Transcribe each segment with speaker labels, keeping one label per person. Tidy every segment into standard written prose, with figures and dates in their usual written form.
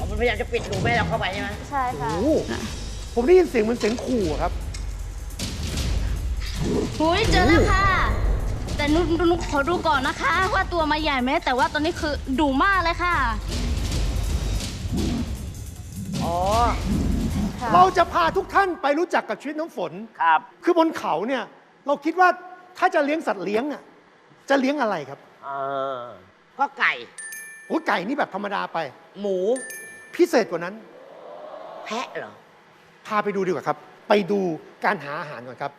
Speaker 1: มันพยายามจะปิดหนูไม่ให้เราเข้าไปใช่ไหม
Speaker 2: ใช่ค่ะ
Speaker 3: โอ้โหผมได้ยินเสียงเหมือนเสียงขู่อะครับ
Speaker 4: หุยเจอแล้วค่ะ แต่นุขอดูก่อนนะคะ ว่าตัวมาใหญ่ไหมแต่ว่าตอนนี้คือดุมากเลยค่ะ
Speaker 1: อ๋อ
Speaker 2: ค่ะ
Speaker 3: เราจะพาทุกท่านไปรู้จักกับชีวิตน้ำฝน
Speaker 1: ครับ
Speaker 3: คือบนเขาเนี่ยเราคิดว่าถ้าจะเลี้ยงสัตว์เลี้ยงอ่ะจะเลี้ยงอะไรครับ
Speaker 1: ก็ไก่
Speaker 3: โอ้ไก่นี่แบบธรรมดาไป
Speaker 1: หมู
Speaker 3: พิเศษกว่านั้น
Speaker 1: แพะเหรอ
Speaker 3: พาไปดูดีกว่าครับ ไปดูการหาอาหารก่อนครับ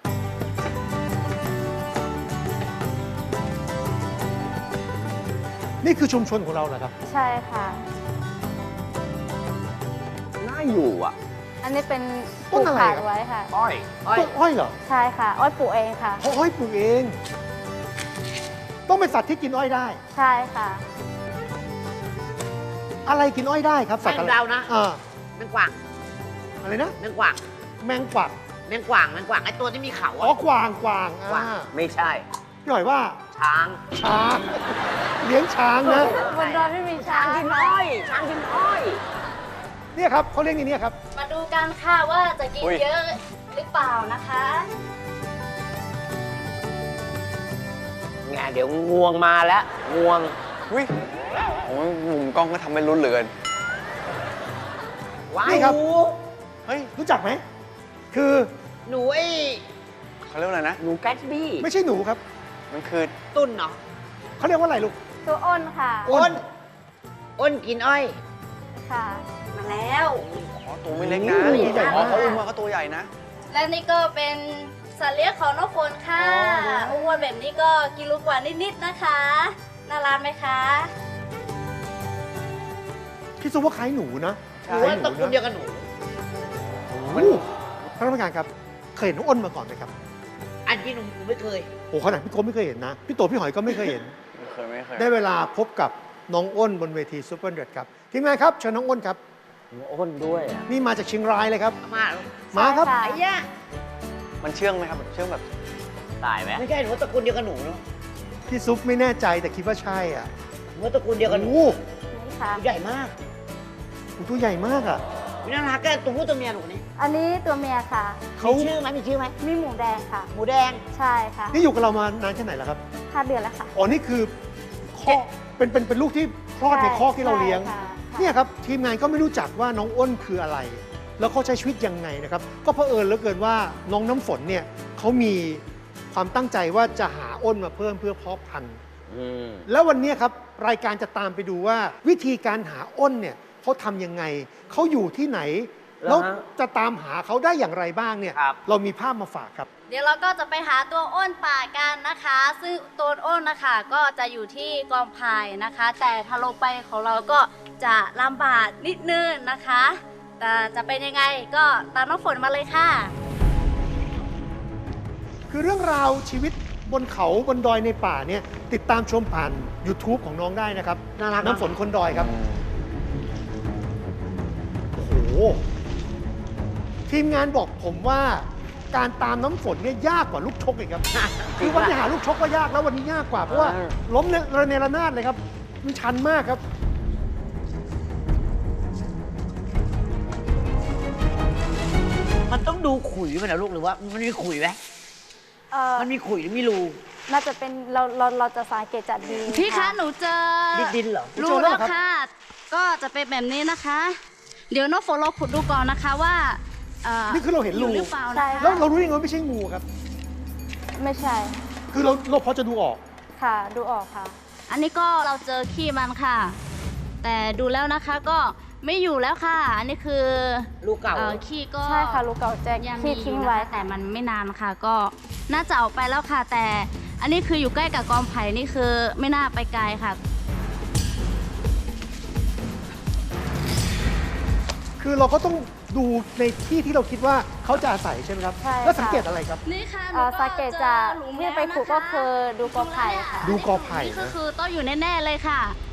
Speaker 3: นี่คือชุมชนของเราเหรอครับ
Speaker 2: ใช่ค่ะ
Speaker 5: น่าอยู่อ่ะ
Speaker 2: อันนี้เป็น
Speaker 3: ต้นอะไร
Speaker 2: ขาด
Speaker 3: ครับ
Speaker 2: ไว้ค่ะ
Speaker 5: อ้อย
Speaker 3: ต้นอ้อยเหรอ
Speaker 2: ใช่ค่ะ อ้อยปลูกเองค่ะ
Speaker 3: เพราะอ้อยปลูกเอง ต้องเป็นสัตว์ที่กินอ้อยได้
Speaker 2: ใช่ค่ะ
Speaker 3: อะไรกินอ้อยได้ครับสัตว์
Speaker 1: แม
Speaker 3: อะ
Speaker 1: ง
Speaker 3: ไร
Speaker 1: ดาวนะ
Speaker 3: อ่า
Speaker 1: แมงกวาง
Speaker 3: อะไรนะ
Speaker 1: แมงกวาง
Speaker 3: แมงกวัก
Speaker 1: แมงกวางไอ้ตัวที่มีเขา
Speaker 3: อ๋อ
Speaker 1: อะ
Speaker 3: กวางกวาง
Speaker 1: กวาง
Speaker 5: ไม่ใช่
Speaker 3: พี่หน่อยว่า
Speaker 1: ช้าง
Speaker 3: ช้าง เลี้ยงช้างนะ
Speaker 2: บนดอยไม่มีช้าง
Speaker 1: กินอ้อยช้างกินอ้อย
Speaker 3: เนี่ยครับเขาเลี้ยงอย่างนี้ครับ
Speaker 4: มาดูกันค่ะว่าจะกิน
Speaker 5: อุ๊ย
Speaker 4: เยอะหรือเปล่านะคะ
Speaker 1: ไงเดี๋ยวงวงมาแล้วงวง
Speaker 5: อุ้ยโอ้ยมุมกล้องก็ทำให้ลุ้นเหลือเกิน
Speaker 1: ว้า
Speaker 3: นี่
Speaker 1: ย
Speaker 3: ครับ
Speaker 1: หนู
Speaker 5: เฮ้ย
Speaker 3: รู้จักไหม คือ
Speaker 1: หนูไอ้
Speaker 5: เขาเรียกว่าอะไรนะ
Speaker 1: หนูแกสบี้
Speaker 3: ไม่ใช่หนูครับ
Speaker 5: มันคือ
Speaker 1: ตุ้นเนาะ
Speaker 3: เขาเรียกว่าอะไรลูก
Speaker 2: ตัวอ้นค่ะ
Speaker 1: อ้นอ้นกินอ้อย
Speaker 2: ค่ะ
Speaker 4: มาแล้ว
Speaker 5: อ๋อตัวไม่เล็กนะ
Speaker 3: โอ้ยใหญ่มาก
Speaker 5: อ๋อเขาอุ้มมาก็ตัวใหญ่นะ
Speaker 4: และนี่ก็เป็นสัตว์เลี้ยงของน้องฝนค่ะอ้วนแบบนี้ก็กิโลกว่านิดๆนะคะ น่ารักไหมคะ
Speaker 3: พี่ซุปว่าคล้ายหนูนะ
Speaker 1: หนูว่าตระกูลเดียวกับหนู
Speaker 3: มันท่านผู้การครับ เคยเห็นน้องอ้นมาก่อนไหมครับ
Speaker 1: อันที่หนูไม่เคย
Speaker 3: โอ้ขนาดพี่โก้ไม่เคยเห็นนะ พี่โตพี่หอยก็ไม่เคยเห็น
Speaker 5: ไม่เคย
Speaker 3: ได้เวลาพบกับน้องอ้นบนเวทีซูเปอร์เดือดครับ ทีมงานครับเชิญน้องอ้นครับ
Speaker 1: อ้นด้วยอ่ะ
Speaker 3: นี่มาจากเชียงรายเลยครับ
Speaker 1: มา
Speaker 3: มาครับ
Speaker 2: ใช่
Speaker 1: ไอ้
Speaker 2: ค่ะ
Speaker 1: ย่า
Speaker 5: มันเชื่องไหมครับ เชื่องแบบ
Speaker 1: ตายไหมไม่ใช่หนูว่าตระกูลเดียวกับหนูเนาะ
Speaker 3: พี่ซุปไม่แน่ใจแต่คิดว่าใช่อ่ะ
Speaker 1: หนูว่าตระกูลเดียวกับหนู
Speaker 3: โอ้โห
Speaker 2: นี่ค่ะ
Speaker 1: ใหญ่มาก
Speaker 3: ตัวใหญ่มากอ่ะ
Speaker 1: มีน่ารักแกตัวผู้ตัวเมียหนูนี่
Speaker 2: อันนี้ตัวเมียค่ะ
Speaker 3: เขา
Speaker 1: มีชื่อไหมมีชื่อไหม
Speaker 2: มีหมูแดงค่ะ
Speaker 1: หมูแดง
Speaker 2: ใช่ค่ะ
Speaker 3: นี่อยู่กับเรามานานแค่ไหนแล้วครับ
Speaker 2: 5 เดือนแล้วค่ะ
Speaker 3: อ๋อ นี่คือข้อเป็นลูกที่คลอดในคอกที่เราเลี้ยง
Speaker 2: ใช่ค่ะ
Speaker 3: เนี่ยครับทีมงานก็ไม่รู้จักว่าน้องอ้นคืออะไร แล้วเขาใช้ชีวิตยังไงนะครับ ก็เผอิญเหลือเกินว่าน้องน้ำฝนเนี่ยเขามีความตั้งใจว่าจะหาอ้นมาเพิ่มเพื่อเพาะพันธุ์ แล้ววันนี้ครับรายการจะตามไปดูว่าวิธีการหาอ้นเนี่ยเขาทำยังไง เขาอยู่ที่ไหน แล้วจะตามหาเขาได้อย่างไรบ้างเนี่ย
Speaker 1: ครับ
Speaker 3: เรามีภาพมาฝากครับ
Speaker 4: เดี๋ยวเราก็จะไปหาตัวอ้นป่ากันนะคะ ซึ่งตัวอ้นนะคะก็จะอยู่ที่กองพายนะคะ แต่ถ้าลงไปของเราก็จะลำบากนิดนึงนะคะ แต่จะเป็นยังไงก็ตามน้องฝนมาเลยค่ะ
Speaker 3: คือเรื่องราวชีวิตบนเขาบนดอยในป่าเนี่ยติดตามชมผ่าน YouTube ของน้องได้นะครับ
Speaker 1: น่ารัก
Speaker 3: น้ำฝนคนดอยครับ โอ้โห ทีมงานบอกผมว่าการตามน้ำฝนเนี่ยยากกว่าลูกชกอีกครับ คือวันที่หาลูกชกก็ยากแล้ววันนี้ยากกว่าเพราะว่าล้มระเนระนาดเลยครับ มันชันมากครับ
Speaker 1: มันต้องดูขุยมันนะลูกหรือว่ามันมีขุยไหม มันมีขุยหรือมีรู
Speaker 2: น่าจะเป็นเราจะสังเกตจากดิน
Speaker 4: พี่คะหนูเจอ
Speaker 1: ดินเหรอ
Speaker 4: รู้แล้วค่ะ ก็จะเป็นแบบนี้นะคะ เดี๋ยวน้องฝนเราขุดดูก่อนนะคะว่า
Speaker 3: นี่คือเราเห็นรู
Speaker 4: อยู่หรือเปล่า
Speaker 2: ใช่
Speaker 4: นะคะ
Speaker 3: แล้วเรารู้ยังไงว่าไม่ใช่งูครับ
Speaker 2: ไม่ใช่
Speaker 3: คือเราพอจะดูออก
Speaker 2: ค่ะ ดูออกค่ะ
Speaker 4: อันนี้ก็เราเจอขี้มันค่ะ แต่ดูแล้วนะคะก็ไม่อยู่แล้วค่ะ อันนี้คือ
Speaker 1: รูเก่า
Speaker 4: ขี้ก็
Speaker 2: ใช่ค่ะลูกเก่าแจ็ค
Speaker 4: ยัง
Speaker 2: ที่
Speaker 4: มีอ
Speaker 2: ทิ้ง
Speaker 4: ยู่
Speaker 2: ไว้
Speaker 4: นะคะแต่มันไม่นานค่ะ ก็น่าจะออกไปแล้วค่ะ แต่อันนี้คืออยู่ใกล้กับกองไผ่นี่คือไม่น่าไปไกลค่ะ
Speaker 3: คือเราก็ต้องดูในที่ที่เราคิดว่าเขาจะอาศัยใช่ไหมครับ
Speaker 2: ใช่ค่ะ
Speaker 3: แล้วสังเกตอะไรครับ
Speaker 4: นี่ค่ะ
Speaker 2: สังเกตจากที่ไปขุดก็คือดูกอไผ่ค่ะ
Speaker 3: ดูกอไผ่
Speaker 4: นี่ก็
Speaker 3: นะ
Speaker 4: คือต้องอยู่แน่ๆเลยค่ะ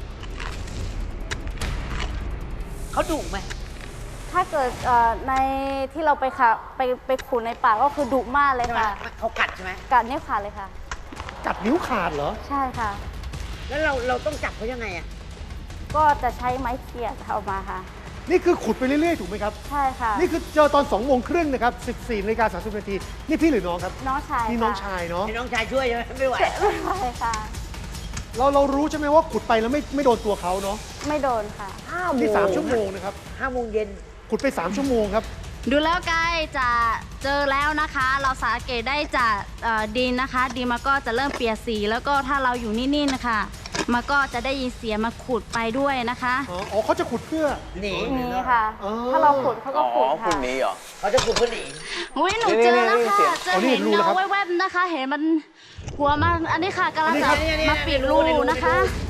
Speaker 1: เขาดุไหม
Speaker 2: ถ้าเกิดในที่เราไปค่ะไปขุดในป่าก็คือดุมากเลย
Speaker 1: ใช่ไหม
Speaker 2: ค่ะ
Speaker 1: เขากัดใช่ไหม
Speaker 2: กัดนิ้วขาดเลยค่ะ
Speaker 3: กัดนิ้วขาดเหรอ
Speaker 2: ใช่ค่ะ
Speaker 1: แล้วเราต้องจับเขายังไงอ่ะ
Speaker 2: ก็จะใช้ไม้เขี่ยเอามาค่ะ
Speaker 3: นี่คือขุดไปเรื่อยๆถูกไหมครับ
Speaker 2: ใช่ค่ะ
Speaker 3: นี่คือเจอตอน2 โมงครึ่งนะครับ 14:30 นาทีนี่พี่หรือน้องครับ
Speaker 2: น้องชาย
Speaker 3: นี่น้อง
Speaker 2: ค่ะ
Speaker 3: ชายเนาะ
Speaker 1: ให้น้องชายช่วยใช่ไหมไม่ไหว
Speaker 2: ไม่ไหวค่ะ
Speaker 3: เรารู้ใช่ไหมว่าขุดไปแล้วไม่โดนตัวเขาเนาะ
Speaker 2: ไม่โดนค่ะ
Speaker 3: นี่3 ชั่วโมงนะครับ
Speaker 1: 5 โมงเย็น
Speaker 3: ขุดไป3 ชั่วโมงครับ
Speaker 4: ดูแล้วใกล้จะเจอแล้วนะคะ เราสังเกตได้จากดินนะคะดินมันก็จะเริ่มเปลี่ยนสี แล้วก็ถ้าเราอยู่นิ่งๆนะคะมันก็จะได้ยินเสียงมาขุดไปด้วยนะคะ
Speaker 3: อ๋อเขาจะขุดเพื่อ
Speaker 1: หนี
Speaker 2: นี่ค่ะ
Speaker 3: อ๋อ
Speaker 2: ถ้าเราขุดเขาก็
Speaker 5: อ๋อ
Speaker 2: ขุด
Speaker 5: คุ
Speaker 2: ค่ะ
Speaker 5: ณนี้เหรอ
Speaker 1: เขาจะขุดเพื่อหนี
Speaker 4: อุ้ยหนูเจอแล้วค่ะ เจอ
Speaker 3: อ๋อนี่
Speaker 4: เห็น
Speaker 3: รู้แล้วครั
Speaker 4: เงา
Speaker 3: บ
Speaker 4: แวบๆนะคะ เห็นมันหัวมันอันนี้ค่ะกำลัง
Speaker 3: อันนี้
Speaker 4: จะ
Speaker 3: ครับ
Speaker 4: มาปิดรูนะคะ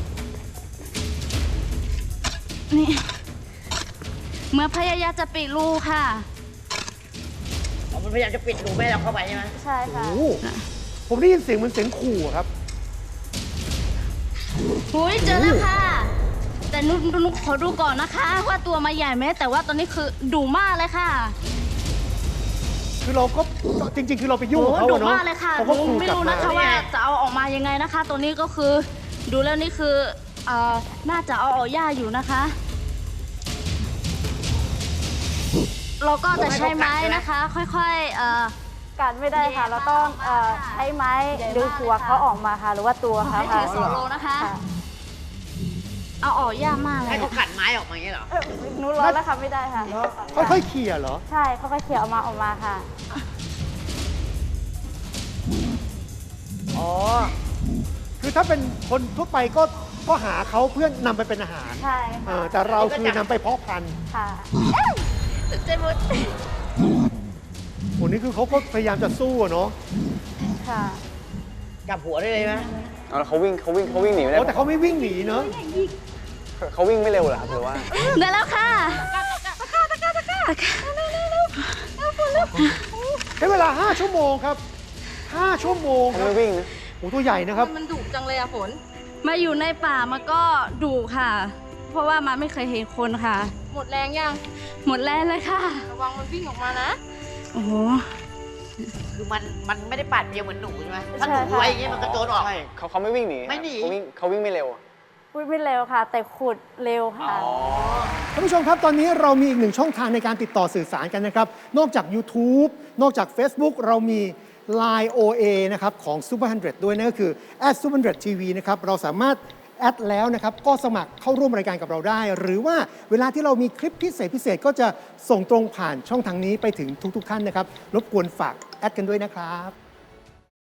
Speaker 4: นี่เมื่อพยายามจะปิดรูค่ะ
Speaker 1: อ๋อมันพยายามจะปิดรูไม่ให้เราเข้าไปใช่ไหม
Speaker 2: ใช่ค่ะ
Speaker 3: โอ้โหผมได้ยินเสียงเหมือนเสียงขู่อะครับ
Speaker 4: หุยเจอแล้วค่ะ แต่นุขอดูก่อนนะคะ ว่าตัวมาใหญ่ไหมแต่ว่าตอนนี้คือดุมากเลยค่ะ
Speaker 3: คือเราก็จริง ๆ คือเราไปยุ่งกับเขา
Speaker 4: ดุ
Speaker 3: อะเนาะ
Speaker 4: มากเลยค่ะ
Speaker 3: เขาก็ขู่
Speaker 4: ไม่
Speaker 3: กลับ
Speaker 4: รู้
Speaker 3: มา
Speaker 4: นะคะว่าจะเอาออกมายังไงนะคะ ตัวนี้ก็คือดูแล้วนี่คือน่าจะเอาออกยากอยู่นะคะ เราก็จะใช้ไม้นะคะ ค่อยๆ
Speaker 2: กัดไม่ได้ค่ะ เราต้องใช้ไม้ดึงหัวเขาออกมาค่ะ หรือว่าตัวเขา
Speaker 4: ให้
Speaker 2: ค่ะ
Speaker 4: ถือ2 โลนะคะ
Speaker 2: ค่ะ
Speaker 4: เอาออกยากมากเล
Speaker 1: ให้
Speaker 4: ย
Speaker 1: เขาขัดไม้ออกมาอย่างนี้เหรอ
Speaker 2: หนูร้อนแล้วค่ะไม่ได้ค่ะ
Speaker 3: ค่อยๆเขี่ยเหรอ
Speaker 2: ใช่เขาก็เขี่ยออกมาค่ะ
Speaker 1: อ๋อ
Speaker 3: คือถ้าเป็นคนทั่วไปก็หาเขาเพื่อนำไปเป็นอาหาร
Speaker 2: ใช่ค่ะ
Speaker 3: แต่เราคือนำไปเพาะพันธุ์
Speaker 2: ค่ะ
Speaker 4: เจมุด
Speaker 3: โหนี่คือเขาก็พยายามจะสู้อะเนาะ
Speaker 2: ค่ะ
Speaker 1: จับหัวได้เลยไหม
Speaker 5: เอาแล้วเขาวิ่งหนีไม่ได้
Speaker 3: แต่เขาไม่วิ่งหนีเนาะ
Speaker 5: เขาวิ่งไม่เร็วเหรอครับหรือว่า
Speaker 4: ได้แล้วค่ะ
Speaker 3: ใช้เวลา 5 ชั่วโมงครับ 5 ชั่วโมง
Speaker 5: เขา
Speaker 3: ครับ
Speaker 5: ไม่วิ่งนะ
Speaker 3: โอ้ตัวใหญ่นะครับ
Speaker 6: มันดุจังเลยอะฝน
Speaker 4: มาอยู่ในป่ามันก็ดุค่ะ เพราะว่ามันไม่เคยเห็นคนค่ะ
Speaker 6: หมดแรงยัง
Speaker 4: หมดแรงเลยค่ะ
Speaker 6: ระวังมันวิ่งออกมานะ
Speaker 4: โอ้โห
Speaker 1: คือมันไม่ได้ปาดเปรียวเหมือนหนูใช่ไหม
Speaker 2: ใช่
Speaker 1: ถ้าหนู
Speaker 2: ค่ะ
Speaker 1: ไว้อย่างงี้มันกระโจนออก
Speaker 5: ใช่เขาไม่วิ่งหนี
Speaker 1: ไม่หนี
Speaker 5: เขาวิ่งไม่เร็วอะ
Speaker 2: พูดไม่เร็วค่ะ แต่ขุดเร็วค่ะ
Speaker 3: ท่านผู้ชมครับ ตอนนี้เรามีอีกหนึ่งช่องทางในการติดต่อสื่อสารกันนะครับ นอกจาก YouTube นอกจาก Facebook เรามี Line OA นะครับของ Super 100 ด้วยนั่นก็คือ @super100tv นะครับเราสามารถแอดแล้วนะครับก็สมัครเข้าร่วมรายการกับเราได้ หรือว่าเวลาที่เรามีคลิปพิเศษก็จะส่งตรงผ่านช่องทางนี้ไปถึงทุกๆท่านนะครับรบกวนฝากแอดกันด้วยนะครับ